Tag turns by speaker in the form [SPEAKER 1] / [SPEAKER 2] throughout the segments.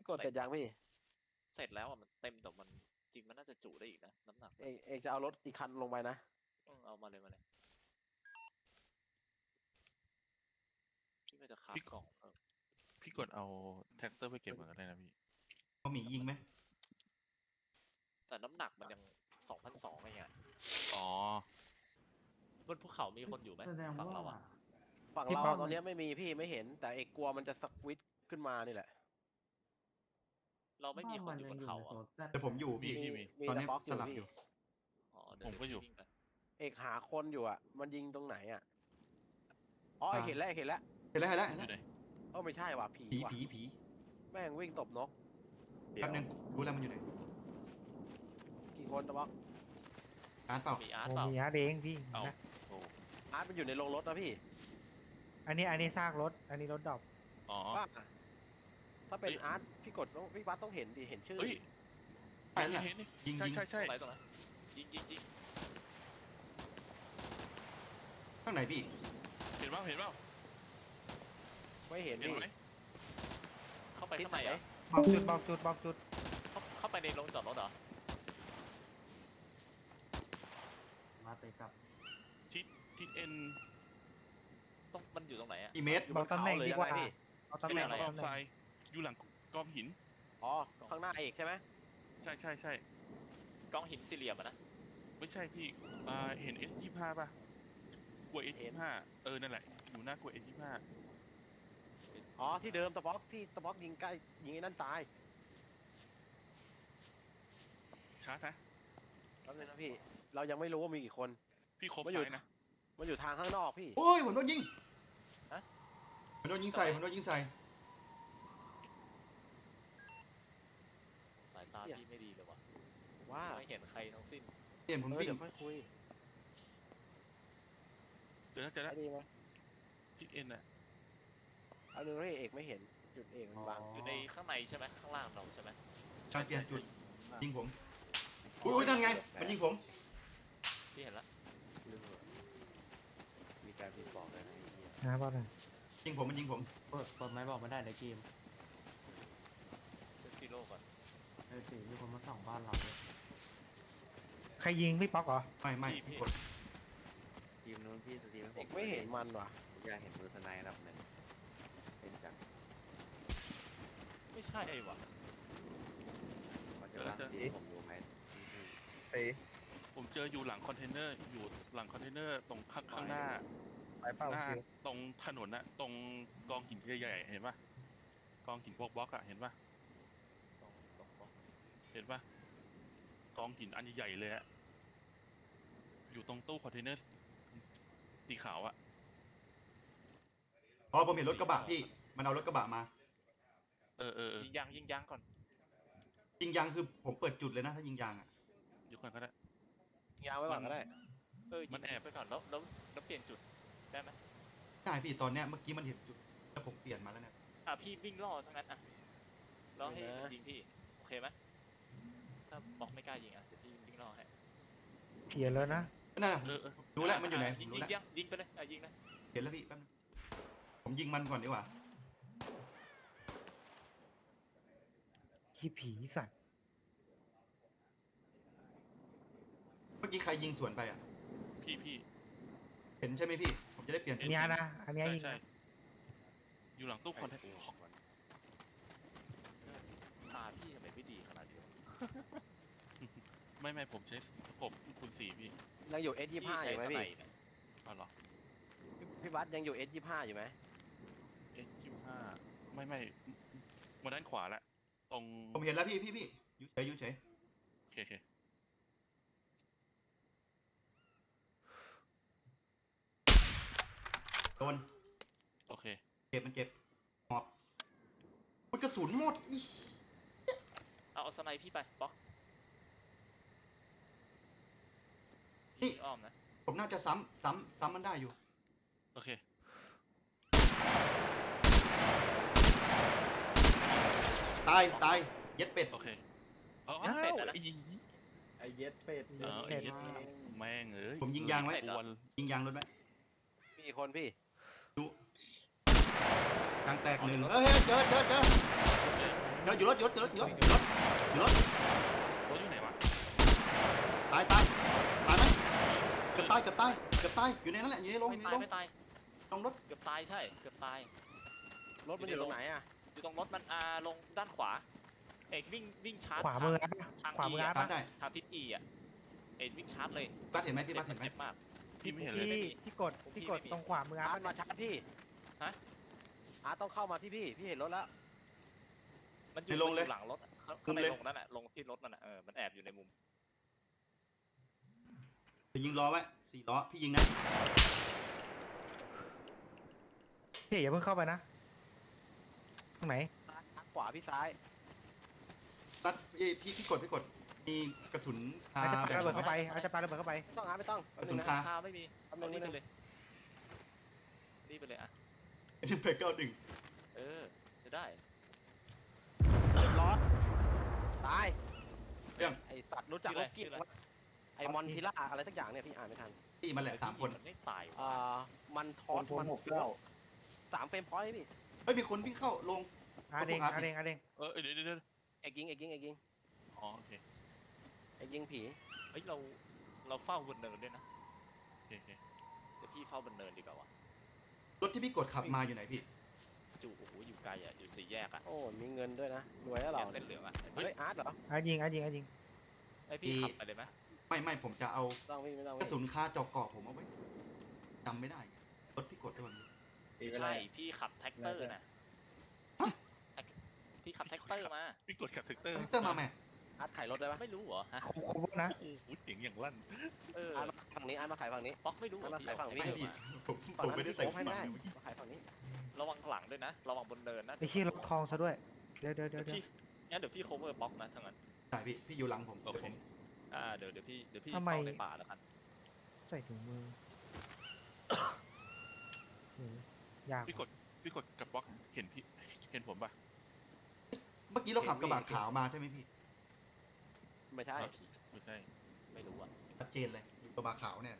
[SPEAKER 1] กดเสร็จยังพี่
[SPEAKER 2] เสร็จแล้วอ่ะมันเต็มแต่มันจริงมันน่าจะจุได้อีกนะน้ำหนัก
[SPEAKER 1] เอกจะเอารถอีกคันลงไปนะ
[SPEAKER 2] เอามาเลยพี่ก็จะคับกล่อง
[SPEAKER 3] พี่กดเอาแท็กเตอร์ไปเก็บก่อนก็ได้นะพี่
[SPEAKER 4] เขามียิงไหม
[SPEAKER 2] แต่น้ำหนักมันยัง2,200ไง
[SPEAKER 3] อ๋อบ
[SPEAKER 2] นภูเขามีคนอยู่ไหมฝั่งเราอ่ะ
[SPEAKER 1] ฝั่งเราตอนนี้ไม่มีพี่ไม่เห็นแต่เอกกลัวมันจะสควิตขึ้นมานี่แหละ
[SPEAKER 2] เราไม่มีคนอยู่บนเขาอ่ะ
[SPEAKER 4] แต่ผมอยู่พี่
[SPEAKER 1] มี
[SPEAKER 4] ตอน
[SPEAKER 1] แต่
[SPEAKER 4] นี้
[SPEAKER 1] บล็อกอ
[SPEAKER 4] ส
[SPEAKER 1] ยู่
[SPEAKER 4] ลับ
[SPEAKER 1] พี่
[SPEAKER 4] อยู่
[SPEAKER 2] อ๋อเดี๋ยวพี่วิ่งไป
[SPEAKER 1] เอกหาคนอยู่อ่ะมันยิงตรงไหนอ่ะอ๋อเอกเห็นแล้วเอกเห็นแล้ว
[SPEAKER 4] เห็นแล้วเห็นแล้ว
[SPEAKER 3] อ
[SPEAKER 4] เห็น
[SPEAKER 3] ยู่ไหน
[SPEAKER 4] แล้ว
[SPEAKER 1] ไม่ใช่ว่ะผี
[SPEAKER 4] ผี
[SPEAKER 1] ว่ะ
[SPEAKER 4] ผีผี
[SPEAKER 1] แม่งวิ่งตบนก
[SPEAKER 4] แป๊บนึงรู้แล้วมันอยู่ไหน
[SPEAKER 1] กี่คนตะบล็อก
[SPEAKER 4] การดเปล่า
[SPEAKER 2] มีอาร์ต
[SPEAKER 5] โอ้
[SPEAKER 2] เปล่า
[SPEAKER 5] มีอาร์ตเองพี่
[SPEAKER 3] เอา
[SPEAKER 5] นะ
[SPEAKER 3] โอ้
[SPEAKER 1] อาร์ตมันอยู่ในโรงรถนะพี่
[SPEAKER 5] อันนี้ซากรถ อันนี้รถดรอป
[SPEAKER 3] อ๋อ
[SPEAKER 1] ว่าถ้าเป็น
[SPEAKER 3] เฮ้ย
[SPEAKER 1] อาร์ตพี่กดต้องพี่บัสต้องเห็นดิเห็นชื่อ
[SPEAKER 3] เฮ้ย
[SPEAKER 4] ใช่แล้ว
[SPEAKER 3] เห็นนี่
[SPEAKER 4] ยิง
[SPEAKER 3] ใช่
[SPEAKER 4] ยิง
[SPEAKER 3] ใช่ใช่
[SPEAKER 2] ตรงไหนยิง
[SPEAKER 4] ข้างไหนพี่
[SPEAKER 3] เห็นเปล่าเห็นเปล่า
[SPEAKER 1] ไม่เห็น
[SPEAKER 3] เห็น
[SPEAKER 1] พี่
[SPEAKER 3] ไหม
[SPEAKER 2] เข้าไปข้างในอ่ะ
[SPEAKER 5] บอกจุด
[SPEAKER 2] เข้าไปในโรงจอดรถเหรอ
[SPEAKER 6] มาเตะกลับ
[SPEAKER 3] ทิศเอ็น
[SPEAKER 2] ต้องมันอยู่ตรงไหนอ่ะ
[SPEAKER 4] กี่เมตร
[SPEAKER 1] อยู่บนเขาเลยยังไงพี่
[SPEAKER 5] เอาตำแหน่ง
[SPEAKER 2] อะไร
[SPEAKER 3] ก
[SPEAKER 2] อะ
[SPEAKER 3] องทรายอยู่หลังกองหิน
[SPEAKER 1] อ๋อข้างหน้าเอกใช่ไหม
[SPEAKER 3] ใช่ใช่ใช่
[SPEAKER 2] กองหินสี่เหลี่ยมอ่ะนะ
[SPEAKER 3] ไม่ใช่พี่เห็น S25 ป่ะกลัว S25 นั่นแหละอยู่หน้ากลัว S25
[SPEAKER 1] อ๋อที่เดิมตะบล็อกที่ตะบล็อกยิงใกล้ยิงไอ้นั่นตาย
[SPEAKER 3] ชาร์จนะ
[SPEAKER 1] แป๊บนึงนะพี่เรายังไม่รู้ว่ามีกี่คน
[SPEAKER 3] พี่ครบ
[SPEAKER 1] ไม่อยู่
[SPEAKER 3] ซ้ายนะ
[SPEAKER 1] มันอยู่ทางข้างนอกพี่
[SPEAKER 4] โอ้ยผมโดนยิง
[SPEAKER 2] ฮะ
[SPEAKER 4] ผมโดนยิงใส่ผมโดนยิงใส่
[SPEAKER 2] สายตาพี่ไม่ดีเลยว่ะ
[SPEAKER 1] ว่า
[SPEAKER 2] ไม่เห็นใครทั้งสิ้น
[SPEAKER 4] เห็นผมวิ่ง
[SPEAKER 1] เดี๋ยวค่อยคุย
[SPEAKER 3] เดี๋ยวนะ
[SPEAKER 1] ได้ดีไหม
[SPEAKER 3] ทิศเอ็นน่ะ
[SPEAKER 1] เอาหนึ่งให้เอกไม่เห็นจุดเอกมันบัง
[SPEAKER 2] อยู่ในข้างในใช่ไหมข้างล่างเราใช่ไหม
[SPEAKER 4] การเปลี่ยนจุดยิงผมอุ้ยนั่นไงมันยิงผม
[SPEAKER 2] พี่เห็นแล้ว
[SPEAKER 1] มีการพิมพ์บอกเลยนะ
[SPEAKER 5] นะบอกเลย
[SPEAKER 4] ยิงผมมันยิงผม
[SPEAKER 6] เปิดไม้บอกไม่ได้ในเกม
[SPEAKER 2] เซนซิโร่ก่อน
[SPEAKER 6] สิมีคนมาส่องบ้านเราเลย
[SPEAKER 5] ใครยิงพี่ป๊อกเหรอ
[SPEAKER 4] ไม่กด
[SPEAKER 7] ทีมนู้นพี่สตรีมให้ผ
[SPEAKER 1] เอกไม่เห็นมันว่ะ
[SPEAKER 7] อยากเห็นมือสไนด์ระดับหนึ่งเป็นจัง
[SPEAKER 2] ไม่ใช่ไอ้วะ
[SPEAKER 7] มันจะว่าทีผมรู้ไหมพี่
[SPEAKER 3] ผมเจออยู่หลังคอนเทนเนอร์อยู่หลังคอนเทนเนอร์ตรงข้างหน้า
[SPEAKER 5] ไปเป้า
[SPEAKER 3] หน้า
[SPEAKER 5] คิว
[SPEAKER 3] ตรงถนนน่ะตรงกองหินใหญ่ๆเห็นปะกองหินพวกบล็อกอะเห็นปะ
[SPEAKER 2] ตรง
[SPEAKER 3] เห็นปะกองหินอันใหญ่ๆเลยอะอยู่ตรงตู้คอนเทนเนอร์สีขาวอะ
[SPEAKER 4] อ๋อผมเห็นรถกระบะพี่มันเอารถกระบะมา
[SPEAKER 2] ยิงยางก่อน
[SPEAKER 4] ยิงยางคือผมเปิดจุดเลยนะถ้ายิงยางอ่ะ
[SPEAKER 3] เดี๋ยวก่อนก็ได้
[SPEAKER 1] ยาวไว้ก่อนก็ได้
[SPEAKER 2] ยิงไปก่อนแล้วเปลี่ยนจุดได้ไหม
[SPEAKER 4] ได้พี่ตอนเนี้ยเมื่อกี้มันเห็นจุดแล้วผมเปลี่ยนมาแล้วเนี่ย
[SPEAKER 2] พี่วิ่งล่อทั้งนั้นอ่ะล่อให้ยิงพี่โอเคไหมถ้าบอกไม่กล้ายิงอ่ะเดี๋ยวพี่วิ่งล่อให้
[SPEAKER 5] เขียนแล้วนะ
[SPEAKER 4] นั่นน่ะรู้แล้วมันอยู่ไหนผ
[SPEAKER 2] ยิ
[SPEAKER 4] ม
[SPEAKER 2] ง
[SPEAKER 4] รู้แล้ว
[SPEAKER 2] ยิงไปเลยยิงนะ
[SPEAKER 4] เห็นแล้วพี่แป๊บนึงผมยิงมันก่อนดีกว่า
[SPEAKER 5] ขี้ผีสัตว์
[SPEAKER 4] เมื่อกี้ใครยิงสวนไปอ่ะ
[SPEAKER 3] พี่
[SPEAKER 4] เห็นใช่ไหมพี่ผมจะได้เปลี่ยนจุด
[SPEAKER 5] อันเนี้ยนะ อันเนี้ย
[SPEAKER 3] ใช่
[SPEAKER 5] ยิง
[SPEAKER 3] ใช่
[SPEAKER 5] นะ
[SPEAKER 3] อยู่หลังตู้คอนเทนเนอร์
[SPEAKER 2] ตาพี่ทำไมไม่ดีขนาดนี้
[SPEAKER 3] ไม่ผมใช้สกบคูณ4พี่
[SPEAKER 1] ยังอยู่ S25 อยู่ไหมพี่
[SPEAKER 3] เอาเหรอ
[SPEAKER 1] พี่บัสยังอยู่ S25 อยู่ไหม
[SPEAKER 3] S25ไม่มาด้านขวาละตรง
[SPEAKER 4] ผมเห็นแล้วพี่อยู่เฉย
[SPEAKER 3] โอเค
[SPEAKER 4] โดน
[SPEAKER 3] โอเค
[SPEAKER 4] เจ็บมันเจ็บหอบมันกระสุนหมดอี
[SPEAKER 2] เอาสไนพี่ไปบล็อกพี่อ้อมนะ
[SPEAKER 4] ผมน่าจะซ้ำมันได้อยู่
[SPEAKER 3] โอเค
[SPEAKER 4] ตายเย็ดเป็ด
[SPEAKER 3] โอเคเอา
[SPEAKER 2] ยัดเป็ดอะนะ
[SPEAKER 1] ไอเย็ดเป็ด
[SPEAKER 3] ไอ้เย็ดแม่งเอ้ย
[SPEAKER 4] ผมยิงยางไว้
[SPEAKER 3] วัน
[SPEAKER 4] ยิงยางรถไว้
[SPEAKER 1] มีคนพี่
[SPEAKER 4] ดูยางแตกหนึ่งเฮ้ยเจออยู่รถอยู่รถอยู่รถ
[SPEAKER 3] รถอยู่ไหนวะ
[SPEAKER 4] ตายไหมเกือบตายอยู่ในนั้นแหละอยู่ในโรง
[SPEAKER 2] ไม่
[SPEAKER 4] อยู่ใน
[SPEAKER 2] ตาย
[SPEAKER 4] โรง
[SPEAKER 2] ไม่ตาย
[SPEAKER 4] ลงรถ
[SPEAKER 2] เกือบตายใช่เกือบตาย
[SPEAKER 1] รถมันอยู่ตรงไหนอ่ะ
[SPEAKER 2] อยู่ตรงรถมันลงด้านขวาเอกวิ่งชาร์จ
[SPEAKER 5] ขวามืออัด
[SPEAKER 2] ทาง
[SPEAKER 5] ขวามืออัด
[SPEAKER 4] ตามได้
[SPEAKER 2] ทางทิศอีอ่ะเอกวิ่งชาร์จเลย
[SPEAKER 4] บัสเห็นไหมพี่บัสเห็นไหม
[SPEAKER 2] เจ็บมาก
[SPEAKER 3] พี่ไม่เห็นเลย
[SPEAKER 5] ที่กดตรงขวามืออั
[SPEAKER 1] อาร์
[SPEAKER 5] ด
[SPEAKER 1] ตมาชาร์จพี่
[SPEAKER 2] ฮะ
[SPEAKER 1] อาร์ตต้องเข้ามาที่พี่เห็นรถแล้ว
[SPEAKER 2] มันอยู่หลังรถข้างในลงนั่นแหละลงที่รถมันมันแอบอยู่ในมุม
[SPEAKER 4] ไปยิงล้อไว้4 ล้อพี่ยิงนะ
[SPEAKER 5] พี่อย่าเพิ่งเข้าไปนะตรงไหน
[SPEAKER 1] ขวาพี่ซ้าย
[SPEAKER 4] บัสพี่กดมีกระสุนคา
[SPEAKER 5] อาจจะปา
[SPEAKER 4] แบบ
[SPEAKER 5] ระเบิดเข้าไปอาจจะปาระเบิดเข้าไป
[SPEAKER 1] ไม่ต้องอาร์ตไม่ต้อง
[SPEAKER 4] กระสุนคา
[SPEAKER 2] คาไม่มี
[SPEAKER 1] ทำ
[SPEAKER 2] เอา
[SPEAKER 1] นึ
[SPEAKER 2] นี่
[SPEAKER 1] ง
[SPEAKER 2] ไปเลยนี่ไปเลยอ่ะ
[SPEAKER 4] M91
[SPEAKER 2] ใช้ได้
[SPEAKER 1] เรียบร้อยตาย
[SPEAKER 4] เรื่อง
[SPEAKER 1] ไอสัตว์รู้จัก
[SPEAKER 2] ชื่อ
[SPEAKER 1] ร
[SPEAKER 2] อะไร
[SPEAKER 1] ถกิ๊ก
[SPEAKER 2] ชื่ออะไร
[SPEAKER 1] ไอมอนทิล่าอะไรสักอย่างเนี่ยพี่อ่านไม่ทัน
[SPEAKER 4] พี่มันแหละ3 คน
[SPEAKER 2] มันไม่ตาย
[SPEAKER 1] มันทอสมัน3 เฟรมพอยต์พี่
[SPEAKER 4] เฮ้ยมีคนวิ่งเข้าลง
[SPEAKER 5] อาเด้ง
[SPEAKER 3] เดี๋ยว
[SPEAKER 1] เอกยิง
[SPEAKER 3] อ๋อโอเค
[SPEAKER 1] เอกยิงผี
[SPEAKER 2] เฮ้ยเราเฝ้าบนเนินด้วยนะ
[SPEAKER 3] โอเค
[SPEAKER 2] เดี๋ยวพี่เฝ้าบนเนินดีกว่าวะ
[SPEAKER 4] รถที่พี่กดขับมาอยู่ไหนพี่
[SPEAKER 2] จู่โอ้โหอยู่ไกลอ่ะอยู่สี่แยกอ่ะ
[SPEAKER 1] โอ้มีเงินด้วยนะรวยแล้วเหรอ
[SPEAKER 2] เส้นเหลืองอ่ะ
[SPEAKER 1] เฮ้ยอาร์ตเหรอ
[SPEAKER 5] อายิง
[SPEAKER 2] ไอพี่ขับไปเลยไหม
[SPEAKER 4] ไม่ผมจะเอา
[SPEAKER 1] ไม่ต้อง
[SPEAKER 4] กระสุนคาจอกเกาะผมเอาไว้จำไม่ได้ไงรถพี่กดด้วย
[SPEAKER 2] ใช่พี่ขับแท็กเตอร์นะ
[SPEAKER 4] ฮะ
[SPEAKER 2] พี่ขับแท็กเตอร์มา
[SPEAKER 3] พี่กดขับแท็กเตอร์
[SPEAKER 4] เตอร์มาแม่
[SPEAKER 1] อาร์ตขายรถได้ปะ
[SPEAKER 2] ไม่รู้เหรอฮะ
[SPEAKER 5] ครบนะ
[SPEAKER 3] โอ้โหเสียงอย่างลั่น
[SPEAKER 1] อาร์ตมาฝั่งนี้อาร์ตมาขายฝั่งนี้
[SPEAKER 2] ป๊อกไม่รู้เหรอ
[SPEAKER 1] มา
[SPEAKER 2] พี่
[SPEAKER 1] ขายฝั่งนี้
[SPEAKER 4] ไม่
[SPEAKER 2] เอา
[SPEAKER 4] พี่
[SPEAKER 2] มา
[SPEAKER 4] ผมไม่ได้ใส่
[SPEAKER 1] ฝั่ง
[SPEAKER 4] ขึ้
[SPEAKER 1] นั้น
[SPEAKER 4] น
[SPEAKER 1] พี่
[SPEAKER 4] มา
[SPEAKER 1] โอ้ให้ได้มาขายฝั่งนี้
[SPEAKER 2] ระวังหลังด้วยนะระวังบนเนินนะ
[SPEAKER 5] ไอ้ขี้ล็อกทองซะด้วยเดี๋ยว
[SPEAKER 2] เดี๋ยวพี่งั้นเดี๋ยวพี่ cover ป๊อกนะทั้างนั้น
[SPEAKER 4] ใช่พี่อยู่หลังผม
[SPEAKER 3] โอเค
[SPEAKER 2] เดี๋ยวพี่เฝ้าในป่าแล้วกัน
[SPEAKER 5] ใส่ถุงมือ ยาก
[SPEAKER 3] พี่กดกับบล็อกเห็นผมปะ
[SPEAKER 4] เมื่อกี้เราขับกระบะขาวมาใช่ไหมพี่
[SPEAKER 1] ไม่ใช่
[SPEAKER 3] ไม่ใช่
[SPEAKER 2] ไม่รู้อ่ะ
[SPEAKER 4] ชัดเจนเลยอยู่กระบะขาวเนี่ย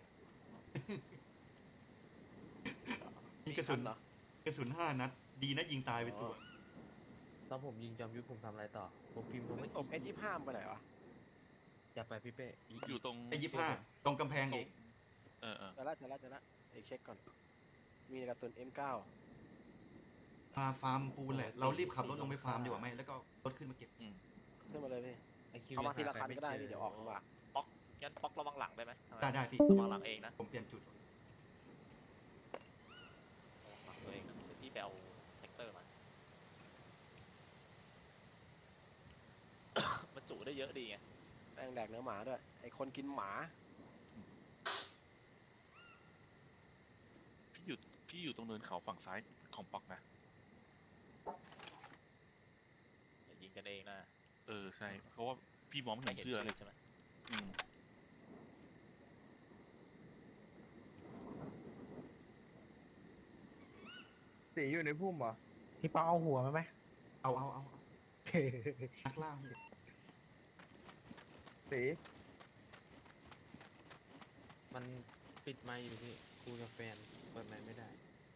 [SPEAKER 4] มีกระสุน
[SPEAKER 1] เหรอก
[SPEAKER 4] ระสุน5 นัด ดีนะยิงตายไปตัว
[SPEAKER 6] ตอนผมยิงจอมยุทธผมทำอะไรต่อ ผมพิมพ์ผม
[SPEAKER 1] ไม่
[SPEAKER 6] ไม่
[SPEAKER 1] ศพเอยี่ห้ามไปไหนวะ
[SPEAKER 6] อย่าไปพี่เป้
[SPEAKER 3] อยู่ตรง
[SPEAKER 4] ไอ้25ตรงกำแพงอีก
[SPEAKER 3] เออ
[SPEAKER 1] เจอละเอกเช็คก่อน มีกระสุน M9
[SPEAKER 4] มาฟาร์มปูนแหละ เรารีบขับรถลงไปฟาร์มดีกว่าไหมแล้วก็รถขึ้นมาเก็บ
[SPEAKER 1] ขึ้นมาเลยพี่
[SPEAKER 6] ไอคิว
[SPEAKER 1] เอามาทีละคันก็ได้พี่เดี๋ยวออกมา
[SPEAKER 2] งั้นป๊อกระวังหลังได้ไหม
[SPEAKER 4] ได้พี่
[SPEAKER 2] ระวังหลังเองนะ
[SPEAKER 4] ผมเปลี่ยนจุด
[SPEAKER 2] ระวังหลังตัวเองนะเดี๋ยวพี่ไปเอาแท็กเตอร์มา มันจุได้เยอะดีไง
[SPEAKER 1] แป้งแดกเนื้อหมาด้วย ไอคนกินหมา
[SPEAKER 3] พี่อยู่ตรงเนินเขาฝั่งซ้ายของป๊อกนะ
[SPEAKER 2] อย่ายิงกันเองนะ
[SPEAKER 3] ใช่ เพราะว่าพี่มองไม่
[SPEAKER 2] ไม่
[SPEAKER 3] เห็น
[SPEAKER 2] เห็น
[SPEAKER 3] เสื้อ
[SPEAKER 2] ชื่
[SPEAKER 3] เล
[SPEAKER 2] อย ใช่ไหม
[SPEAKER 3] อืม
[SPEAKER 8] สีอยู่ในพุ่มเหรอ
[SPEAKER 5] พี่เปาเอาหัวมาไหม
[SPEAKER 4] เอานักล่าหัว
[SPEAKER 8] สี
[SPEAKER 6] มันปิดไมค์อยู่พี่คุยกับแฟนเปิดไมค์ไม่ได้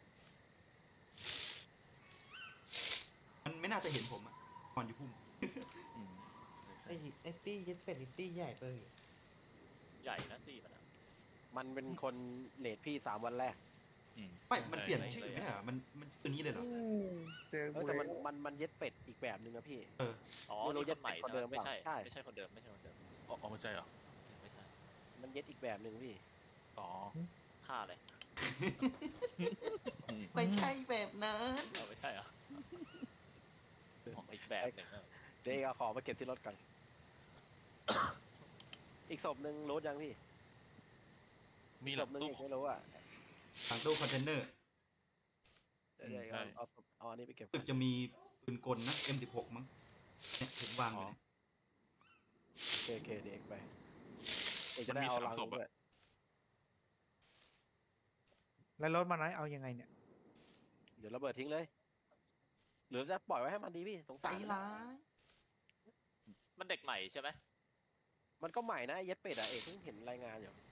[SPEAKER 4] มันไม่น่าจะเห็นผมอ่ะก่อนอยู่พุ่ม
[SPEAKER 3] อืม
[SPEAKER 9] ไอ้ตี้ยึดเป็ดนี่ตี้ใหญ่ไปเลย
[SPEAKER 2] ใหญ่นะตีมันอะ
[SPEAKER 1] มันเป็นคนเลดพี่3 วันแรก
[SPEAKER 4] ไม่มันเปลี่ยนชื่อไม่ใช่เหรอมันชื่อนี้เลยเหรอ
[SPEAKER 8] เจอ
[SPEAKER 1] เอ
[SPEAKER 8] กู
[SPEAKER 1] อ
[SPEAKER 8] เล
[SPEAKER 1] แต่
[SPEAKER 8] ย
[SPEAKER 1] มันเย็ดเป็ดอีกแบบนึงนะพี่
[SPEAKER 2] อ๋อ
[SPEAKER 1] ไม่รู้
[SPEAKER 2] นี่คนใหม่
[SPEAKER 1] จะเป็นคนเดิม
[SPEAKER 2] ไม่ใช่
[SPEAKER 1] เปล่าใช่
[SPEAKER 2] ไม่ใช่คนเดิมไม่ใช่คนเดิม
[SPEAKER 3] อ๋อไม่ใช่เหรอ
[SPEAKER 2] ไม่ใช่
[SPEAKER 1] มันเย็ดอีกแบบนึงพี่
[SPEAKER 3] อ๋อ
[SPEAKER 2] ฆ่าเลย
[SPEAKER 4] ไม่ใช่แบบนั้น
[SPEAKER 2] ไม่ใช่เหรอของอีกแบบหนึ่งอะ
[SPEAKER 1] เดี๋ยวเอาของมาเก็บที่รถก่อน อีกศพหนึ่งรู้ยังพี่
[SPEAKER 3] มี
[SPEAKER 1] ศ
[SPEAKER 3] หลั
[SPEAKER 1] พ
[SPEAKER 3] ง
[SPEAKER 1] หนึ่ง
[SPEAKER 3] ตู้
[SPEAKER 1] อีกไม่รู้อ่ะ
[SPEAKER 4] ทางตู้คอนเทนเนอร์
[SPEAKER 1] เดี๋ยว
[SPEAKER 3] ใช่
[SPEAKER 1] เอาอันนี้ไปเก็บ
[SPEAKER 4] รู้สึกจะมีปืนกลนะ M16 มั้งเนี่ยผมวางอยู่เนี่ย
[SPEAKER 1] โอเคเดี๋ยวเอกไปเอกจะได้เอาลังด้วย
[SPEAKER 5] แล้วรถมันไหนเอายังไงเนี่ย
[SPEAKER 1] เดี๋ยวระเบิดทิ้งเลย หรือจะปล่อยไว้ให้มันดีพี่สง
[SPEAKER 4] ใจ
[SPEAKER 1] สาร
[SPEAKER 4] ร้าย
[SPEAKER 2] มันเด็กใหม่ใช่ไหม
[SPEAKER 1] มันก็ใหม่นะไอ้เย็ดเป็ดอ่ะเอกเพิ่งเห็นรายงานอยู่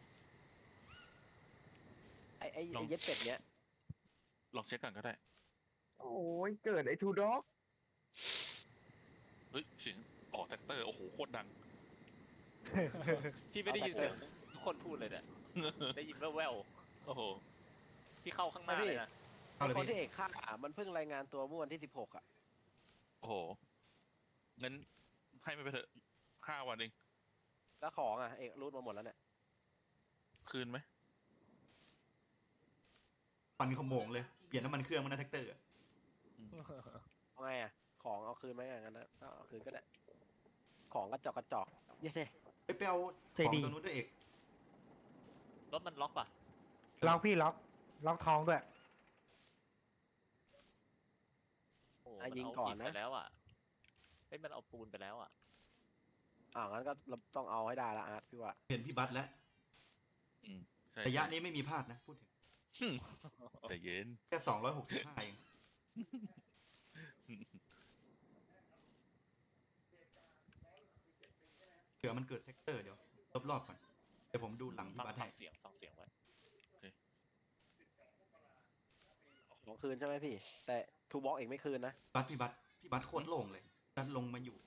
[SPEAKER 1] ไอ้เย็ดเป็ดเนี้ย
[SPEAKER 3] ลองเช็คก่อนก็ได้
[SPEAKER 8] โอ้ยเกิดไอ้ทูด็อก
[SPEAKER 3] เฮ้ยเสียงออกแท็กเตอร์โอ้โหโคตรดัง
[SPEAKER 2] พี่ไม่ได้ยินเสียงทุกคนพูดเลยเนี่ยได้ยินแว่ว
[SPEAKER 3] โอ้โห
[SPEAKER 2] ๆพี่เข้าข้างหน้าเลยนะ
[SPEAKER 4] เอาเลย
[SPEAKER 1] คนที่
[SPEAKER 4] พี่
[SPEAKER 1] เอกฆ่ามันเพิ่งรายงานตัวเมื่อวันที่ 16 อ่ะ
[SPEAKER 3] โอ้โหงั้นให้มันไปเถอะ5 วันเอง
[SPEAKER 1] แล้วของอ่ะ เอกรูดมาหมดแล้วเนี่ย
[SPEAKER 3] คืนไหม
[SPEAKER 4] ปันขโมงเลย เปลี่ยนน้ำมันเครื่องมันนะแท็กเตอร์อะ
[SPEAKER 1] เอาไงอ่ะ ของเอาคืนไหมอย่างนั้นนะเอาคืนก็ได้ ของกระจอกเย้เท่
[SPEAKER 4] ไปเอา
[SPEAKER 5] ใจ
[SPEAKER 4] ของ
[SPEAKER 5] ดี
[SPEAKER 4] ตัวนู้นด้วยเอก
[SPEAKER 2] รถมันล็อกป่ะ
[SPEAKER 5] ล็อกพี่ล็อกท้องด้วย
[SPEAKER 2] โอ้
[SPEAKER 1] อ่ะ
[SPEAKER 2] มัน
[SPEAKER 1] ยิง
[SPEAKER 2] เอา
[SPEAKER 1] ก่อน
[SPEAKER 2] อิฐ
[SPEAKER 1] นะ
[SPEAKER 2] ไปแล้วอ่ะเฮ้ยมันเอาปูนไปแล้วอ่ะ
[SPEAKER 1] งั้นก็ต้องเอาให้ได้ละอาร์ตพี่ว่า
[SPEAKER 4] เห็นพี่บัตแล้ว
[SPEAKER 3] ใช่
[SPEAKER 4] ระยะนี้ไม่มีพลาดนะ พูดถึง
[SPEAKER 3] ใจเย็น
[SPEAKER 4] แค่265เองเผื่อมันเกิดเซกเตอร์เดี๋ยวรอบๆก่อนเดี๋ยวผมดูหลังพี่
[SPEAKER 2] ฟัง
[SPEAKER 4] บัต
[SPEAKER 2] ฟั
[SPEAKER 4] ให้
[SPEAKER 2] งเสียงไว้
[SPEAKER 1] ของคืนใช่ไหมพี่ แต่ทูบ็อกเอกไม่คืนนะ
[SPEAKER 4] พี่บัตโคตรโล่งเลยดันลงมาอยู่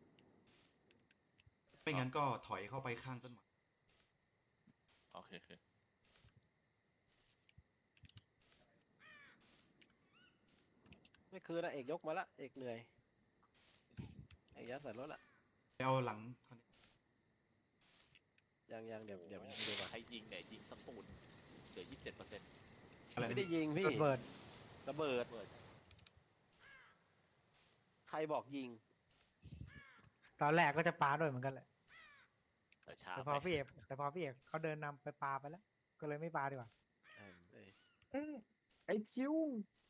[SPEAKER 4] ไม่งั้นก็ถอยเข้าไปข้างต้นไม้
[SPEAKER 3] โอเคโอเค
[SPEAKER 1] ไม่คืนนะเอกยกมาละเอกเหนื่อยเอกยัดใส่รถละ
[SPEAKER 4] ไปเอาหลังคอนเนค
[SPEAKER 1] ยังเดี๋ยวดูก่อน
[SPEAKER 2] ใครยิงเนี่ยยิงสปูนเหลือ 27%
[SPEAKER 4] อะไร
[SPEAKER 1] ไม่
[SPEAKER 4] นะ
[SPEAKER 1] ได้ยิงพี่
[SPEAKER 5] ระเบิด
[SPEAKER 1] ระเบิด
[SPEAKER 2] เบิด
[SPEAKER 1] ใครบอกยิง
[SPEAKER 5] ตอนแรกก็จะปาด้วยเหมือนกันแหละ
[SPEAKER 2] แต่ช้า
[SPEAKER 5] แต่
[SPEAKER 2] ไป
[SPEAKER 5] พอพี่เอกเขาเดินนำไปปาไปแล้ว ก็เลยไม่ปาดีกว่า
[SPEAKER 1] เอ้ย
[SPEAKER 8] ไอ้คิว